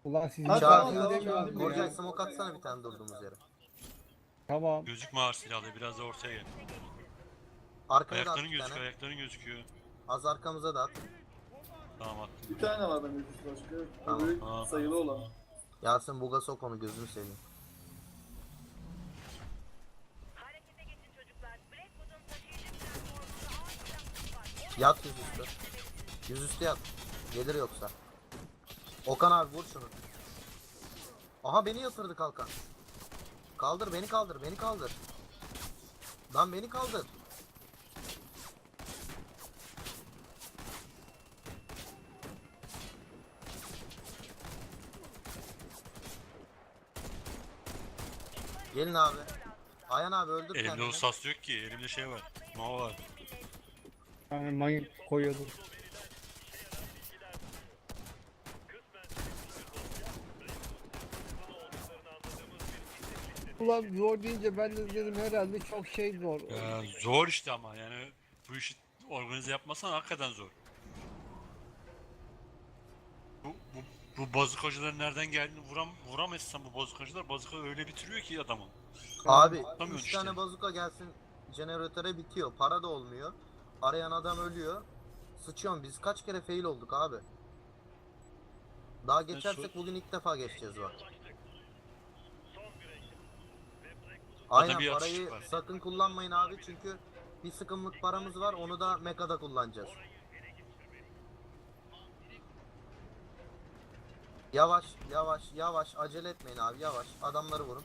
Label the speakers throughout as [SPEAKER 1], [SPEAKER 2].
[SPEAKER 1] Ulan sizin
[SPEAKER 2] Ha,
[SPEAKER 1] tatil
[SPEAKER 2] tamam,
[SPEAKER 1] demiyorum
[SPEAKER 2] tamam.
[SPEAKER 1] ya.
[SPEAKER 3] Korcay smoke atsana bir tane durduğumuz yere.
[SPEAKER 1] Tamam.
[SPEAKER 4] Gözükme ağır silahlı, biraz da ortaya gel.
[SPEAKER 3] Arkaya da at
[SPEAKER 4] Ayakların
[SPEAKER 3] bir
[SPEAKER 4] gözüküyor,
[SPEAKER 3] tane.
[SPEAKER 4] ayakların gözüküyor.
[SPEAKER 3] Az arkamıza da at.
[SPEAKER 4] Tamam attım.
[SPEAKER 2] Bir tane var bende üst başka.
[SPEAKER 3] Tamam.
[SPEAKER 2] Öbürü
[SPEAKER 4] Tamam.
[SPEAKER 2] sayılı olan.
[SPEAKER 3] Yasin buga sok onu gözünü seveyim.
[SPEAKER 5] Harekete geçin çocuklar. Blackwood'un taşıyıcı platformunda ağır silahları var.
[SPEAKER 3] Yat yüzüstü. Yüzüstü yat. Gelir yoksa. Okan abi vur şunu. Aha beni yatırdı kalkan. Kaldır beni kaldır beni kaldır. Lan beni kaldır. Gelin abi. Ayhan abi öldür
[SPEAKER 4] Elimde
[SPEAKER 3] kendini.
[SPEAKER 4] o sas yok ki, elimde şey var. Nova var.
[SPEAKER 1] Yani mayın koyuyordum. Ulan zor deyince ben de dedim herhalde çok şey zor.
[SPEAKER 4] Ya, zor işte ama yani bu işi organize yapmasan hakikaten zor. Bu bazukacıların nereden geldiğini vuramazsan bu bazukacılar bazuka öyle bitiriyor ki adamı.
[SPEAKER 3] Abi
[SPEAKER 4] Tutamıyorsun
[SPEAKER 3] 3
[SPEAKER 4] işte.
[SPEAKER 3] tane bazuka gelsin jeneratöre bitiyor. Para da olmuyor. Arayan adam ölüyor. Sıçıyorum biz kaç kere fail olduk abi. Daha geçersek bugün ilk defa geçeceğiz bak. Aynen
[SPEAKER 4] bir
[SPEAKER 3] parayı
[SPEAKER 4] atışlık var.
[SPEAKER 3] sakın kullanmayın abi çünkü bir sıkımlık paramız var onu da mekada kullanacağız. Yavaş yavaş yavaş acele etmeyin abi yavaş adamları vurun.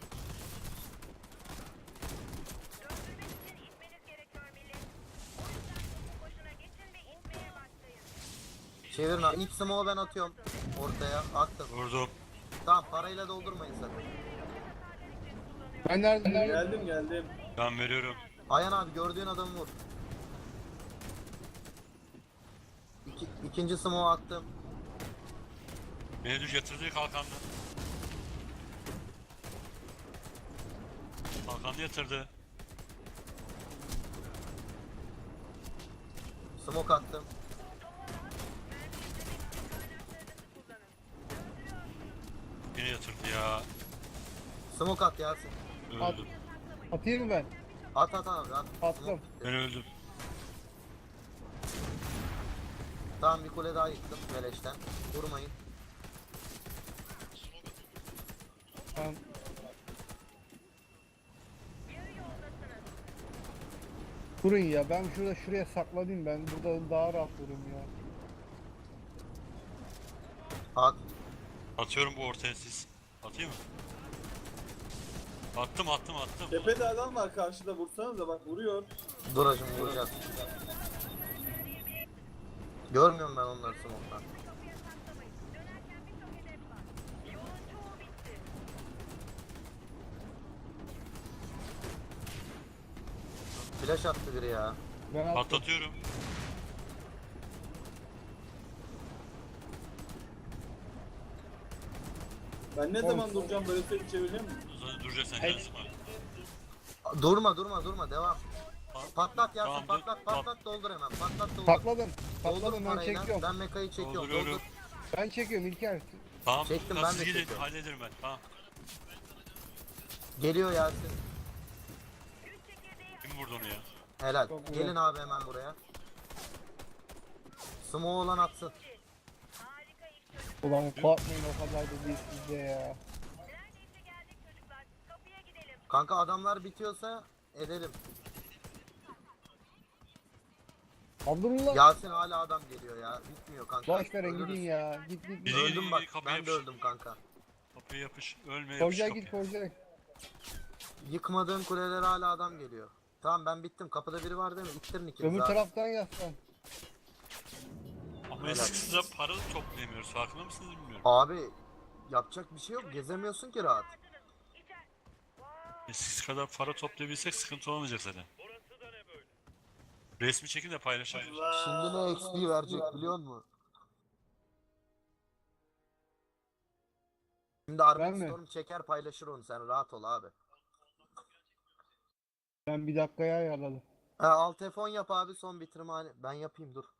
[SPEAKER 5] Döndürmek için itmeniz gerekiyor millet. O yüzden boşuna geçin ve itmeye başlayın.
[SPEAKER 3] Çevirin abi ilk smoke'u ben atıyorum ortaya attım.
[SPEAKER 4] Vurdum.
[SPEAKER 3] Tamam parayla doldurmayın sakın.
[SPEAKER 1] Ben nerede?
[SPEAKER 2] Geldim.
[SPEAKER 4] Ben veriyorum.
[SPEAKER 3] Ayhan abi gördüğün adamı vur. İkinci smoke'u attım.
[SPEAKER 4] Beni düş yatırdı kalkandı. Kalkandı yatırdı.
[SPEAKER 3] Smoke attım.
[SPEAKER 4] Beni yatırdı ya.
[SPEAKER 3] Smoke at Yasin.
[SPEAKER 4] Öldüm.
[SPEAKER 1] Atayım mı ben?
[SPEAKER 3] At at abi at.
[SPEAKER 1] Attım.
[SPEAKER 3] Smoke.
[SPEAKER 4] Ben öldüm.
[SPEAKER 3] Tamam bir kule daha yıktım beleşten. Vurmayın.
[SPEAKER 1] Tamam. Durun ya ben şuraya saklanayım ben burada daha rahat dururum ya.
[SPEAKER 3] At.
[SPEAKER 4] Atıyorum bu ortaya siz. Atayım mı? Attım.
[SPEAKER 2] Tepede adam var karşıda vursanıza bak vuruyor.
[SPEAKER 3] Dur hacım vuracağız. Görmüyorum ben onları smoke'tan.
[SPEAKER 5] Kapıya saklamayın. Dönerken birçok hedef var. Yolun çoğu bitti.
[SPEAKER 3] Flash attı biri ya.
[SPEAKER 1] Ben attım.
[SPEAKER 4] Patlatıyorum.
[SPEAKER 2] Ben ne zaman duracağım böyle tek çevireceğim mi?
[SPEAKER 4] Duracak sen canı sıkma.
[SPEAKER 3] Durma devam. Patlat Yasin
[SPEAKER 4] Tamam,
[SPEAKER 3] patlat doldur hemen patlat doldur.
[SPEAKER 1] Patladım.
[SPEAKER 3] Doldur
[SPEAKER 1] Patladım ben
[SPEAKER 3] parayla.
[SPEAKER 1] çekiyorum.
[SPEAKER 3] Ben mekayı çekiyorum
[SPEAKER 4] Dolduruyorum.
[SPEAKER 3] doldur.
[SPEAKER 1] Ben çekiyorum İlker.
[SPEAKER 4] Tamam.
[SPEAKER 3] Çektim, ben
[SPEAKER 4] Nasıl
[SPEAKER 3] de
[SPEAKER 4] gidin?
[SPEAKER 3] çekiyorum.
[SPEAKER 4] Hallederim ben. Tamam.
[SPEAKER 3] Geliyor Yasin.
[SPEAKER 4] Kim vurdu onu ya?
[SPEAKER 3] Helal.
[SPEAKER 1] Çok güzel.
[SPEAKER 3] Gelin abi hemen buraya. Smoke olan atsın.
[SPEAKER 5] Harika iş çocuk.
[SPEAKER 1] Ulan korkmayın o kadar da değil sizde ya.
[SPEAKER 5] Neredeyse geldik çocuklar. Kapıya gidelim.
[SPEAKER 3] Kanka adamlar bitiyorsa edelim.
[SPEAKER 1] Abdullah.
[SPEAKER 3] Yasin hala adam geliyor ya. Bitmiyor kanka.
[SPEAKER 1] Boş verin
[SPEAKER 3] Ölürüz.
[SPEAKER 1] gidin ya. Git.
[SPEAKER 4] Biri-
[SPEAKER 3] Öldüm bak.
[SPEAKER 4] kapıya
[SPEAKER 3] Ben de
[SPEAKER 4] yapış.
[SPEAKER 3] öldüm kanka.
[SPEAKER 4] Kapıya yapış. Ölme yapış
[SPEAKER 1] Korcay
[SPEAKER 4] kapıya.
[SPEAKER 1] git Korcay.
[SPEAKER 3] Yıkmadığım kulelere hala adam geliyor. Tamam ben bittim. Kapıda biri var değil mi? İttirin ikiniz
[SPEAKER 1] Öbür
[SPEAKER 3] abi.
[SPEAKER 1] taraftan yaslan.
[SPEAKER 4] Ama eskisi de para da toplayamıyoruz. Farkında mısınız bilmiyorum.
[SPEAKER 3] Abi yapacak bir şey yok. Gezemiyorsun ki rahat.
[SPEAKER 4] Eskisi kadar para toplayabilsek sıkıntı olmayacak zaten. Resmi çekin de paylaşalım.
[SPEAKER 3] Şimdi ne XP verecek biliyor musun? Şimdi
[SPEAKER 1] Ben
[SPEAKER 3] Armin
[SPEAKER 1] mi?
[SPEAKER 3] Storm çeker paylaşır onu sen rahat ol abi.
[SPEAKER 1] Ben bir dakikaya ayarladım.
[SPEAKER 3] Alt F10 yap abi son bitirme hani ben yapayım dur.